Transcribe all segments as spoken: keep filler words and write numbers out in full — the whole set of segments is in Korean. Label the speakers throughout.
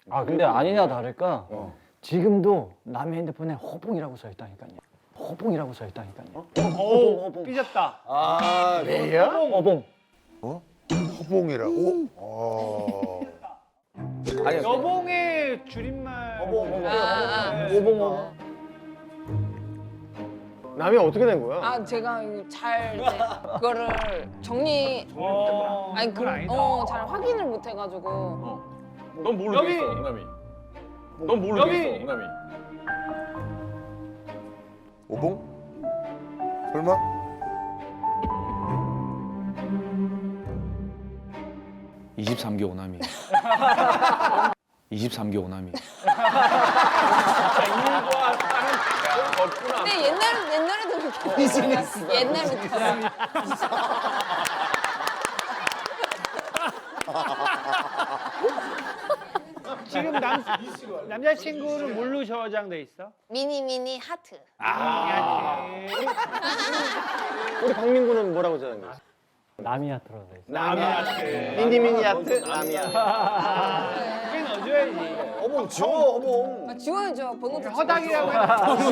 Speaker 1: 아 근데 아니나 다를까 지금도 남의 핸드폰에 허봉이라고 써 있다니까요. 허봉이라고 써 있다니까요.
Speaker 2: 오, 삐졌다.
Speaker 3: 아, 왜요?
Speaker 1: 허봉.
Speaker 4: 허봉이라고? 어.
Speaker 3: 아니,
Speaker 2: 여봉의 줄임말.
Speaker 1: 허봉.
Speaker 5: 아, 아.
Speaker 1: 허봉 허봉.
Speaker 6: 남이 어떻게 된 거야?
Speaker 5: 아 제가 이거 잘 이제 그거를 정리
Speaker 2: 어,
Speaker 5: 아니 그,
Speaker 2: 그건 아니다.
Speaker 5: 어, 잘 확인을 못 해가지고
Speaker 3: 넌 모르겠어,
Speaker 2: 여기!
Speaker 3: 옹남이. 넌 모르겠어,
Speaker 2: 여기!
Speaker 3: 옹남이.
Speaker 4: 오봉? 설마?
Speaker 3: 이십삼 기 오남이. 이십삼 기 오남이.
Speaker 5: 근데 옛날 옛날에도 그렇게 비즈니스 옛날부터
Speaker 2: 지금 남, 남자친구는 뭘로 저장돼 있어?
Speaker 5: 미니 미니 하트
Speaker 2: 아,
Speaker 6: 우리 박민구는 뭐라고 저장돼 있어?
Speaker 1: 남이야 들어서 있어.
Speaker 2: 남이한테.
Speaker 6: 미니 미니 아트 남이야.
Speaker 2: 그게 넣어줘야지.
Speaker 6: 어봉 지워 어봉.
Speaker 5: 아, 지워야죠 번호 좀
Speaker 2: 허당이라고 해.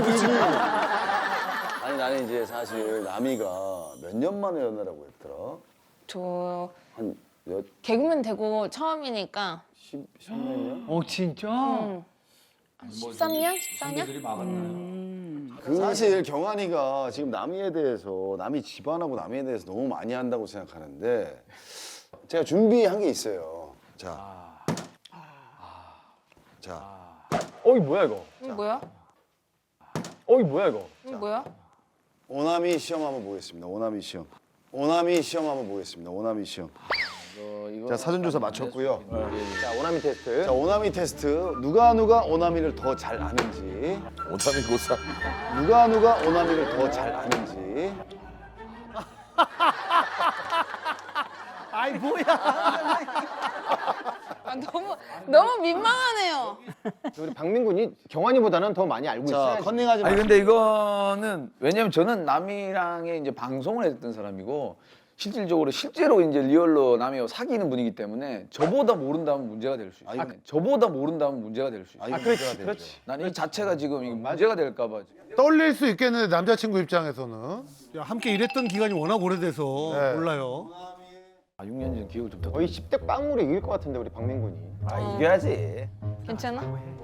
Speaker 3: 아니, 나는 이제 사실 남이가 몇 년 만에 연애라고 했더라?
Speaker 5: 저
Speaker 3: 한 몇,
Speaker 5: 개그맨 되고 처음이니까
Speaker 3: 십, 십몇 년?
Speaker 2: 어, 진짜?
Speaker 5: 음. 십삼 년? 십사 년?
Speaker 3: 그 사실 경환이가 지금 남이에 대해서 남이 집안하고 남이에 대해서 너무 많이 한다고 생각하는데 제가 준비한 게 있어요. 자, 자,
Speaker 6: 어이 뭐야 이거?
Speaker 5: 이거 뭐야?
Speaker 6: 어이 뭐야 이거?
Speaker 5: 이거 뭐야?
Speaker 3: 오남이 시험 한번 보겠습니다. 오남이 시험. 오남이 시험 한번 보겠습니다. 오남이 시험. 자, 사전조사 마쳤고요.
Speaker 6: 자 오나미 테스트.
Speaker 3: 자, 오남이 테스트. 누가 누가 오남이를 더 잘 아는지.
Speaker 4: 오남이 고사.
Speaker 3: 누가 누가 오남이를 더 잘 아는지.
Speaker 2: 아이, 뭐야.
Speaker 5: 아 너무 너무 민망하네요.
Speaker 6: 우리 박민군이 경환이보다는 더 많이 알고
Speaker 3: 자,
Speaker 6: 있어야지.
Speaker 3: 컨닝하지
Speaker 7: 아니
Speaker 3: 마시고.
Speaker 7: 근데 이거는 왜냐면 저는 남이랑의 이제 방송을 했던 사람이고 실질적으로 실제로 이제 리얼로 남이와 사귀는 분이기 때문에 저보다 모른다면 문제가 될 수 있어요.
Speaker 3: 아,
Speaker 7: 저보다 모른다면 문제가 될 수 있어요.
Speaker 3: 아,
Speaker 6: 그렇지 그렇지.
Speaker 7: 나는 이 자체가 지금 이게 문제가 될까 봐.
Speaker 4: 떨릴 수 있겠는데 남자친구 입장에서는.
Speaker 8: 야, 함께 일했던 기간이 워낙 오래돼서
Speaker 4: 네.
Speaker 8: 몰라요.
Speaker 7: 아, 육 년 전 기억을 좀 더.
Speaker 6: 거의 십 대 빵으로 이길 것 같은데 우리 박민군이.
Speaker 7: 아, 이겨야지.
Speaker 5: 괜찮아?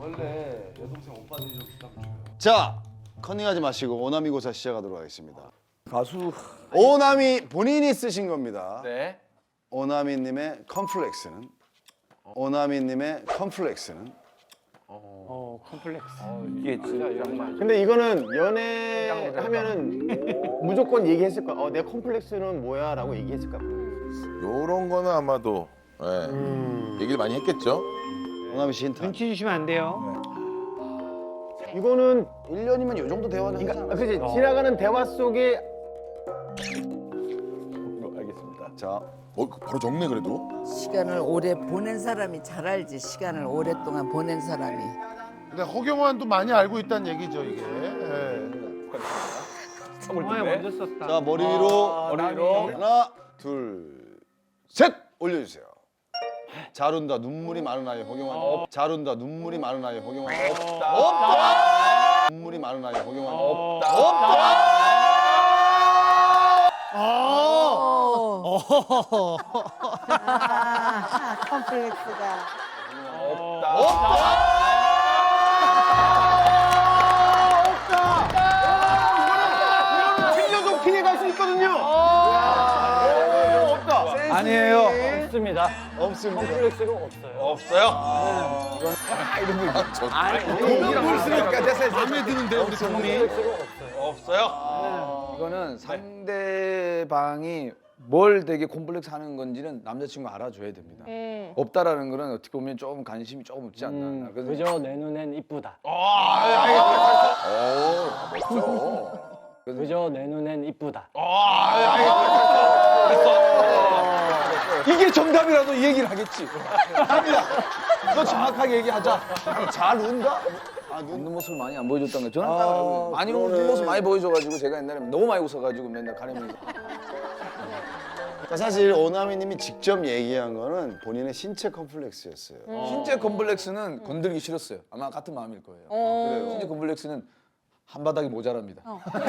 Speaker 3: 자, 컨닝하지 마시고 오남이 고사 시작하도록 하겠습니다.
Speaker 7: 가수.
Speaker 3: 오남이 본인이 쓰신 겁니다.
Speaker 7: 네.
Speaker 3: 오남이님의 컴플렉스는 오남이님의 컴플렉스는
Speaker 2: 어, 컴플렉스.
Speaker 7: 이게 진짜 정말.
Speaker 6: 근데 이거는 연애하면은 무조건 얘기했을 거야. 어, 내 컴플렉스는 뭐야라고 얘기했을 거야.
Speaker 4: 요런 거는 아마도 예. 얘기를 많이 했겠죠?
Speaker 3: 오남이 씨 힌트.
Speaker 2: 눈치 주시면 안 돼요.
Speaker 6: 이거는
Speaker 3: 일 년이면 이 정도 대화는
Speaker 6: 그러니까
Speaker 3: 하잖아.
Speaker 6: 그지 지나가는 대화 속에
Speaker 3: 알겠습니다. 자,
Speaker 4: 어, 바로 적네 그래도.
Speaker 9: 시간을 오래 보낸 사람이 잘 알지. 시간을 오랫동안 보낸 사람이.
Speaker 4: 근데 허경환도 많이 알고 있다는 얘기죠 이게. 예.
Speaker 2: 정말 먼저 썼다.
Speaker 3: 자 머리 위로
Speaker 7: 머리 위로.
Speaker 3: 하나, 둘, 셋 올려주세요. 잘 운다 눈물이 많은 아이 허경환. 잘 운다 눈물이 많은 아이 허경환. 없다. 없다. 눈물이 많은 아이 허경환. 없다. 없다.
Speaker 9: 컴플렉스가.
Speaker 6: 칠년도 피해 갈 수 있거든요. 없다.
Speaker 7: 아니에요.
Speaker 1: 없습니다.
Speaker 3: 없습니다.
Speaker 1: 컴플렉스가 없어요.
Speaker 4: 없어요?
Speaker 3: 눈물 쓰니까 됐어요.
Speaker 8: 마음에 드는데 우리 성미.
Speaker 1: 컴플렉스가 없어요.
Speaker 7: 이거는 상대방이 뭘 되게 콤플렉스 하는 건지는 남자친구가 알아줘야 됩니다.
Speaker 5: 음.
Speaker 7: 없다라는 거는 어떻게 보면 조금 관심이 조금 없지 않나.
Speaker 1: 음,
Speaker 7: 그래서
Speaker 1: 그저 내 눈엔 이쁘다. 그저 내 눈엔 이쁘다.
Speaker 7: 이게 정답이라도 이 얘기를 하겠지. 아니야. 너 정확하게 얘기하자.
Speaker 3: 잘 운다? 아,
Speaker 7: 웃는
Speaker 3: 눈.
Speaker 7: 모습을 많이 안 보여줬던 거예요. 저는 딱 많이 웃는 모습 많이 보여줘가지고 제가 옛날에 너무 많이 웃어가지고 맨날 가려면서.
Speaker 3: 그러니까 사실 오나미님이 직접 얘기한 거는 본인의 신체 컴플렉스였어요.
Speaker 7: 신체 컴플렉스는 건들기 싫었어요. 아마 같은 마음일 거예요.
Speaker 5: 어.
Speaker 7: 신체 컴플렉스는 한 바닥이 모자랍니다.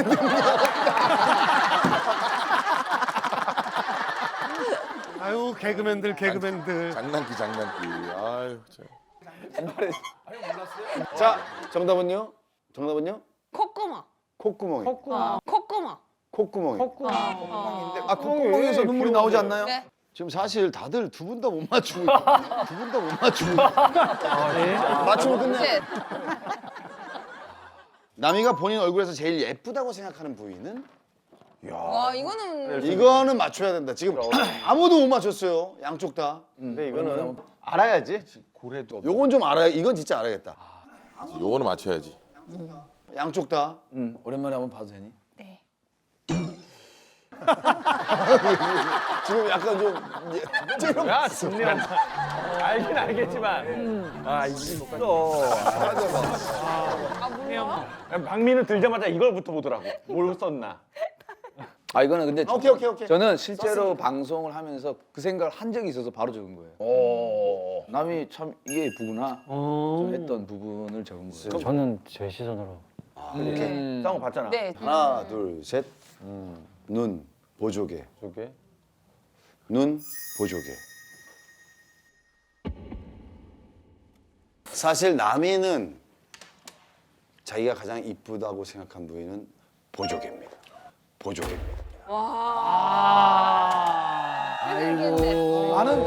Speaker 8: 아유 개그맨들 개그맨들.
Speaker 4: 장난기 장난기. 아유 참.
Speaker 7: 옛날에
Speaker 3: 자, 정답은요? 정답은요?
Speaker 5: 콧구멍.
Speaker 3: 콧구멍이.
Speaker 5: 어, 콧구멍.
Speaker 3: 콧구멍이.
Speaker 7: 아 콧구멍에서 눈물이 나오지 않나요?
Speaker 5: 네.
Speaker 3: 지금 사실 다들 두 분 다 못 맞추고 있거든요. 두 분 다 못 맞추고 있거든요. 맞추면 끝내.
Speaker 5: 네.
Speaker 3: 남이가 본인 얼굴에서 제일 예쁘다고 생각하는 부위는?
Speaker 5: 와 이거는
Speaker 3: 이거는 맞춰야 된다. 지금 아무도 못 맞췄어요. 양쪽 다.
Speaker 6: 근데 이거는 알아야지.
Speaker 7: 고래도 없.
Speaker 3: 요건 좀 알아야. 이건 진짜 알아야겠다.
Speaker 4: 요거는 맞춰야지.
Speaker 3: 양쪽 다.
Speaker 7: 응. 오랜만에 한번 봐도 되니?
Speaker 5: 네.
Speaker 3: 지금 약간 좀 예,
Speaker 2: 야, 좋네요. 알긴 알겠지만. 아, 이거
Speaker 5: 아 몰라?
Speaker 2: 박민우 들자마자 이걸부터 보더라고. 뭘 썼나.
Speaker 7: 아 이거는 근데
Speaker 3: 오케이, 오케이, 오케이.
Speaker 7: 저는 실제로 방송을 하면서 그 생각을 한 적이 있어서 바로 적은 거예요. 남이 참 이게 예쁘구나 좀 했던 부분을 적은 거예요.
Speaker 1: 저는 제 시선으로
Speaker 7: 음.
Speaker 2: 싸운 거 봤잖아.
Speaker 5: 네.
Speaker 3: 하나, 둘, 셋. 눈 보조개.
Speaker 2: 저게.
Speaker 3: 눈 보조개. 사실 남이는 자기가 가장 이쁘다고 생각한 부위는 보조개입니다. 보조개입니다.
Speaker 5: 와. 아이고.
Speaker 7: 나는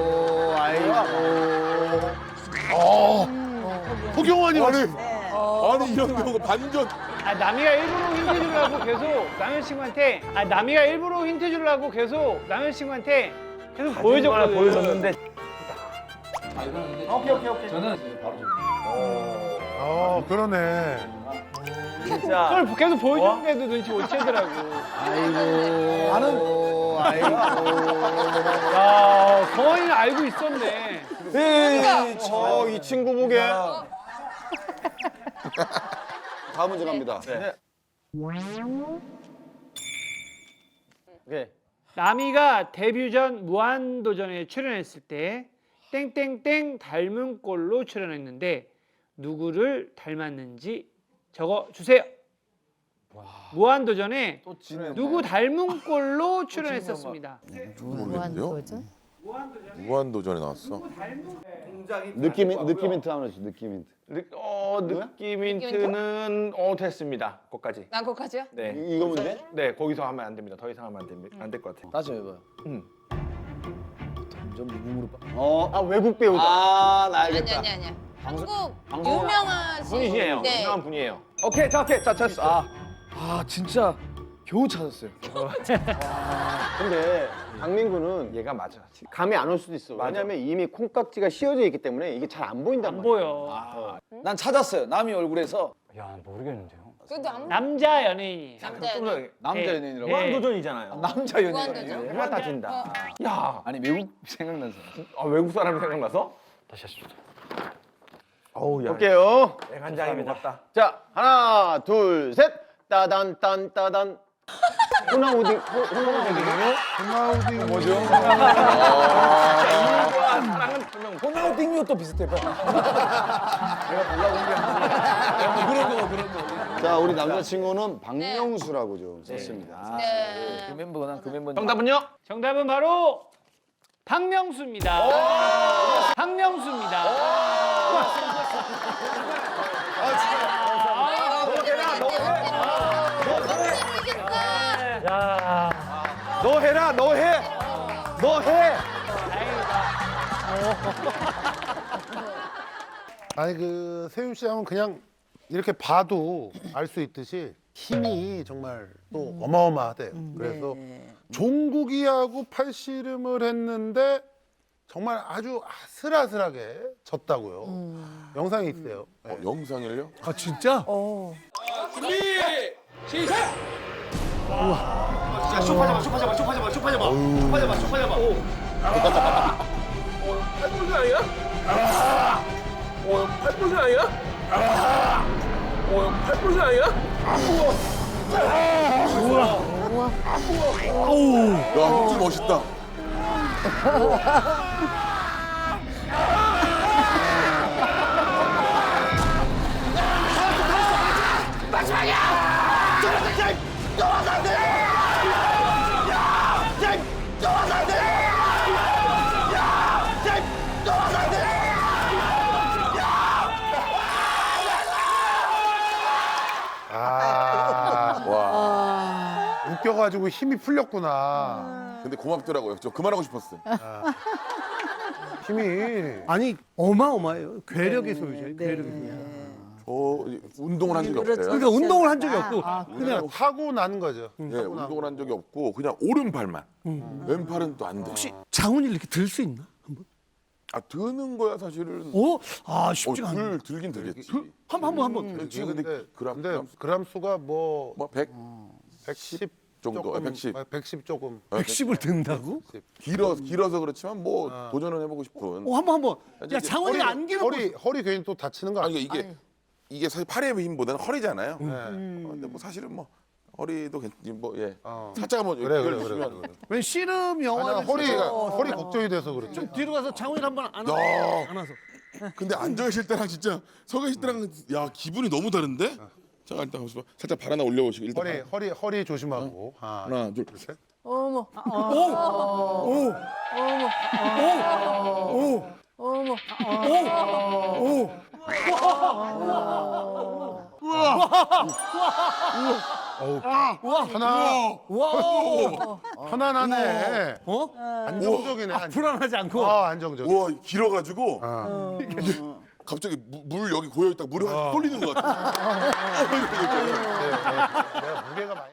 Speaker 8: 허경환이 아니
Speaker 4: 아니 이런 경우가 반전.
Speaker 2: 아, 남이가 일부러 힌트 주려고 계속 남현 친구한테 아, 남이가 일부러 힌트 주려고 계속 남현 친구한테 계속 보여줬거든. 보여줬는데.
Speaker 7: 오케이 오케이 오케이. 저는 이제 바로 적은 거예요.
Speaker 8: 어 그러네.
Speaker 2: 진짜. 그걸 계속 보여줬는데도 눈치 못 채더라고.
Speaker 7: 나는
Speaker 2: 야, 성원이는 알고 있었네.
Speaker 3: 에이, 저 이 친구 보게. 다음 문제 갑니다.
Speaker 2: 네. 남이가 데뷔 전 무한도전에 출연했을 때 땡땡땡 닮은 꼴로 출연했는데 누구를 닮았는지 적어 주세요. 무한도전에
Speaker 7: 또 지네.
Speaker 2: 누구 닮은 꼴로 출연했었습니다.
Speaker 4: 모르겠는데요? 무한도전에 나왔어.
Speaker 3: 느낌 느낌 힌트 하나 주세요. 느낌 힌트.
Speaker 10: 느, 어, 느낌 힌트는 어 됐습니다. 거기까지.
Speaker 5: 난 거기까지요?
Speaker 10: 네.
Speaker 3: 이- 이거 문제?
Speaker 10: 네, 거기서 하면 안 됩니다. 더 이상 하면 안 됩니다. 안 될 것 같아요.
Speaker 7: 다시 해봐요.
Speaker 10: 음.
Speaker 7: 점점 무궁으로 빠.
Speaker 3: 어.
Speaker 6: 아 외국 배우다.
Speaker 3: 아, 나
Speaker 5: 아니
Speaker 3: 알겠다.
Speaker 5: 아니 아니. 한국
Speaker 3: 방송-
Speaker 5: 유명하신
Speaker 10: 분이시에요.
Speaker 5: 네.
Speaker 10: 유명한 분이에요.
Speaker 7: 오케이 자 오케이 자 찾았어. 아, 아 진짜 겨우 찾았어요.
Speaker 6: 근데 강민구는
Speaker 10: 얘가 맞아.
Speaker 6: 감이 안 올 수도 있어. 왜냐면 이미 콩깍지가 씌워져 있기 때문에 이게 잘 안 보인단
Speaker 2: 안
Speaker 6: 말이야.
Speaker 2: 보여.
Speaker 7: 난 찾았어요. 남이 얼굴에서
Speaker 1: 야 모르겠는데요.
Speaker 5: 그래도 안
Speaker 2: 남자 연예인이에요.
Speaker 5: 남자
Speaker 10: 좀 더
Speaker 7: 남자
Speaker 2: 네.
Speaker 7: 연예인이라고.
Speaker 2: 네.
Speaker 10: 무한도전이잖아요.
Speaker 7: 남자 연예인.
Speaker 5: 무한도전.
Speaker 10: 해가 따진다. 야,
Speaker 7: 아니 외국 생각나서.
Speaker 10: 아, 외국 사람이 생각나서?
Speaker 1: 다시 하시죠.
Speaker 10: 어우, 야.
Speaker 6: 볼게요.
Speaker 10: 애간장이 먹었다.
Speaker 6: 자 하나 둘 셋. 따단 딴 따단. 호나우딩 호나우딩이요?
Speaker 8: 김하우딩 뭐죠?
Speaker 7: 호나우딩요 또 비슷해. 내가 보려고 한 게 아니라. 그런 거 그런 거.
Speaker 3: 자, 우리 남자친구는 박명수라고 좀 썼습니다.
Speaker 5: 네.
Speaker 7: 그 멤버 난그 멤버.
Speaker 10: 정답은요?
Speaker 2: 정답은 바로 박명수입니다. 박명수입니다. 야,
Speaker 6: 너 해라 너 해. 너 해.
Speaker 8: 아니 그 세윤 씨 하면 그냥 이렇게 봐도 알 수 있듯이 힘이 정말 또 어마어마하대요. 그래서 종국이하고 팔씨름을 했는데 정말 아주 아슬아슬하게 졌다고요. 영상이 있어요.
Speaker 4: 어, 영상을요?
Speaker 8: 아 진짜?
Speaker 4: 야, 힘좀 멋있다.
Speaker 8: 아,
Speaker 4: 와.
Speaker 8: 웃겨가지고 힘이 풀렸구나.
Speaker 4: 근데 고맙더라고요. 저 그만하고 싶었어요.
Speaker 8: 힘이.
Speaker 2: 아니 어마어마해요. 괴력의 소유죠. 괴력의 소유.
Speaker 4: 저 운동을 한 적이 없어요.
Speaker 2: 그러니까 운동을 한 적이 없고
Speaker 8: 그냥 타고 난 거죠.
Speaker 4: 예, 운동을 한 적이 없고 그냥 오른팔만. 왼팔은 또 안 돼.
Speaker 2: 혹시 장훈이 이렇게 들 수 있나? 한번?
Speaker 4: 아 드는 거야 사실은.
Speaker 2: 어? 아
Speaker 4: 어,
Speaker 2: 쉽지가 않네.
Speaker 4: 들 들긴 되겠지.
Speaker 2: 한번 한번 한번.
Speaker 4: 그렇지. 근데 그람
Speaker 8: 근데
Speaker 4: 그람
Speaker 8: 그람 수가 뭐
Speaker 4: 뭐 백
Speaker 8: 백십
Speaker 4: 정도,
Speaker 8: 조금,
Speaker 4: 아, 백십.
Speaker 8: 아, 백십 조금.
Speaker 2: 백십을 든다고?
Speaker 4: 길어 길어서 그렇지만 뭐 도전은 해보고 싶은.
Speaker 2: 어 한번 한번.
Speaker 4: 이제
Speaker 2: 야 장훈이가 안 길어.
Speaker 8: 허리 허리 괜히 또 다치는 거
Speaker 4: 아니
Speaker 8: 아니야?
Speaker 4: 이게 이게 사실 팔의 힘보다는 허리잖아요.
Speaker 8: 네.
Speaker 4: 어, 근데 뭐 사실은 뭐 허리도 괜- 뭐 예.
Speaker 8: 어.
Speaker 4: 살짝 한번
Speaker 8: 그래 그래
Speaker 4: 연결
Speaker 8: 그래.
Speaker 4: 주시면.
Speaker 8: 그래.
Speaker 2: 왜 씨름 영화를
Speaker 8: 아니, 허리가
Speaker 2: 찍어서
Speaker 8: 허리 걱정이 돼서 그렇죠.
Speaker 2: 좀 뒤로 가서 장훈이 한번 안아.
Speaker 4: 야.
Speaker 2: 안아서.
Speaker 4: 근데 앉아 계실 때랑 진짜 서 계실 때랑 야 기분이 너무 다른데? 자 일단 잠시만 살짝 발 하나 올려보시고 일단
Speaker 8: 허리 허리 허리 조심하고. 하나,
Speaker 4: 하나 둘.
Speaker 8: 셋.
Speaker 5: 어머.
Speaker 8: 하나.
Speaker 2: 와.
Speaker 8: 편안하네.
Speaker 2: 어?
Speaker 8: 안정적이네. 안-
Speaker 2: 불안하지 않고.
Speaker 8: 아 안정적.
Speaker 4: 우와 길어가지고
Speaker 8: 아.
Speaker 4: 갑자기 무- 물 여기 고여 있다 물이 확 쏠리는 것 같아.
Speaker 8: 내가 무게가 많이.